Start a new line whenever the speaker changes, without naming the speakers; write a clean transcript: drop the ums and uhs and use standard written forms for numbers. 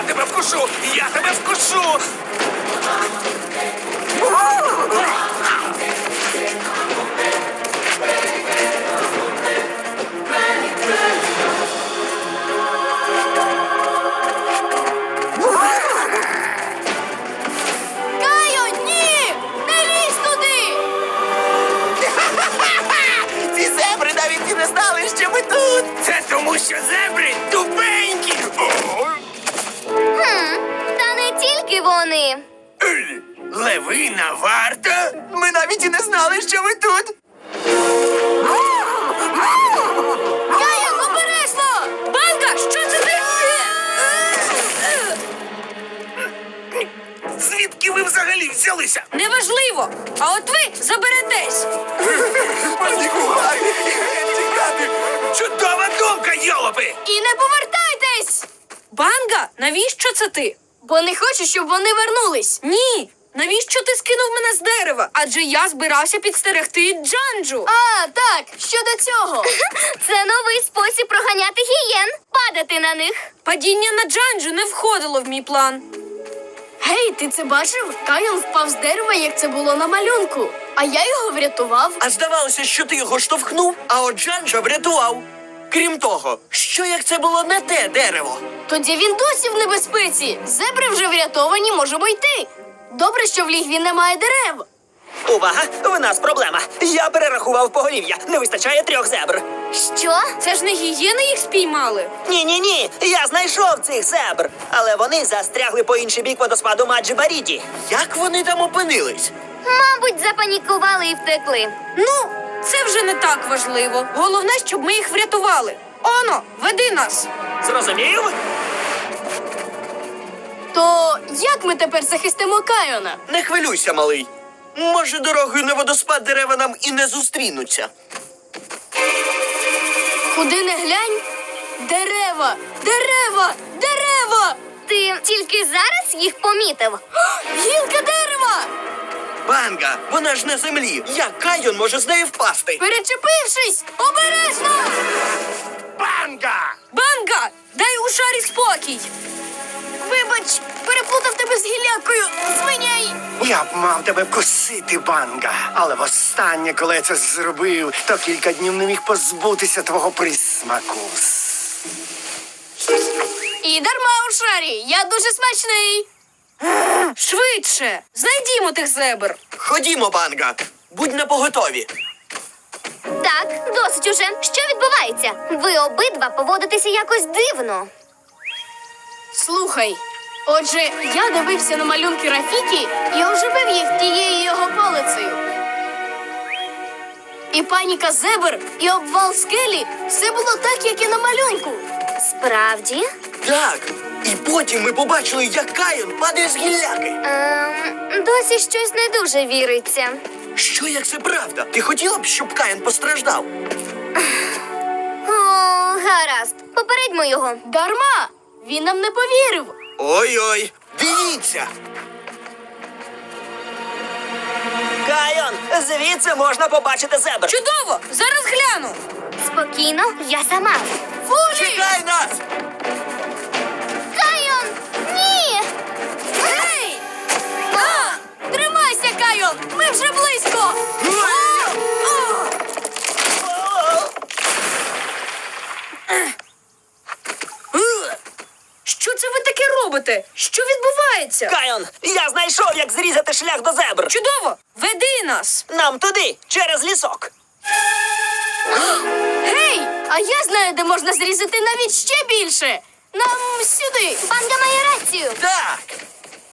тебе вкушу! Я тебе вкушу!
Кайо, ні! Не лізь туди!
Ці зебри навіть і не знали, що ми тут.
Це тому, що зебри тупенькі!
Та не тільки вони.
Левина варта?
Ми навіть і не знали, що ви тут.
Кайо, обережно! Банга, що це ти?
Звідки ви взагалі взялися?
Неважливо. А от ви заберетесь.
Панікувай! Тікати!
Чудова думка, йолопи!
І не повертайтесь! Банга, навіщо це ти? Бо не хочу, щоб вони вернулись. Ні. Навіщо ти скинув мене з дерева? Адже я збирався підстерегти Джанджу. А, так, щодо цього.
Це новий спосіб проганяти гієн. Падати на них.
Падіння на Джанджу не входило в мій план. Гей, ти це бачив? Кайон впав з дерева, як це було на малюнку. А я його врятував.
А здавалося, що ти його штовхнув, а от Джанджа врятував. Крім того, що як це було не те дерево?
Тоді він досі в небезпеці. Зебри вже врятовані, можемо йти. Добре, що в лігві немає дерев.
Увага! В нас проблема. Я перерахував поголів'я. Не вистачає 3 зебр.
Що?
Це ж не гієни їх спіймали.
Ні. Я знайшов цих зебр. Але вони застрягли по інший бік водоспаду Маджі-Баріді. Як вони там опинились?
Мабуть, запанікували і втекли.
Ну, це вже не так важливо. Головне, щоб ми їх врятували. Оно, веди нас.
Зрозумів?
То як ми тепер захистимо Кайона?
Не хвилюйся, малий. Може, дорогою на водоспад дерева нам і не зустрінуться.
Куди не глянь? Дерева! Дерева! Дерева!
Ти тільки зараз їх помітив?
Гілка дерева!
Банга, вона ж на землі. Як Кайон може з неї впасти?
Перечепившись! Обережно!
Банга!
Банга! Дай у шарі спокій! Вибач, переплутав тебе з гілякою! Звиняй!
Я б мав тебе вкусити, Банга. Але востаннє, коли я це зробив, то кілька днів не міг позбутися твого присмаку.
І дарма у шарі! Я дуже смачний! Швидше! Знайдімо тих зебр!
Ходімо, Банга. Будь напоготові.
Так, досить уже. Що відбувається? Ви обидва поводитеся якось дивно.
Слухай, отже, я дивився на малюнки Рафікі і оживив їх тією його палицею. І паніка зебр, і обвал скелі – все було так, як і на малюнку.
Справді?
Так. І потім ми побачили, як Кайон падає з гілляки.
Досі щось не дуже віриться.
Що як це правда? Ти хотіла б, щоб Кайон постраждав?
О, гаразд. Попередьмо його.
Дарма! Він нам не повірив.
Ой-ой, дивіться! Кайон, звідси можна побачити зебр.
Чудово! Зараз гляну!
Спокійно, я сама.
Фулі!
Чекай нас!
Кайон! Ні!
Гей! Тримайся, Кайон! Ми вже близько! Що це ви таке робите? Що відбувається?
Кайон, я знайшов, як зрізати шлях до зебр.
Чудово! Веди нас!
Нам туди, через лісок.
Гей! А я знаю, де можна зрізати навіть ще більше! Нам сюди!
Банга має рацію.
Так,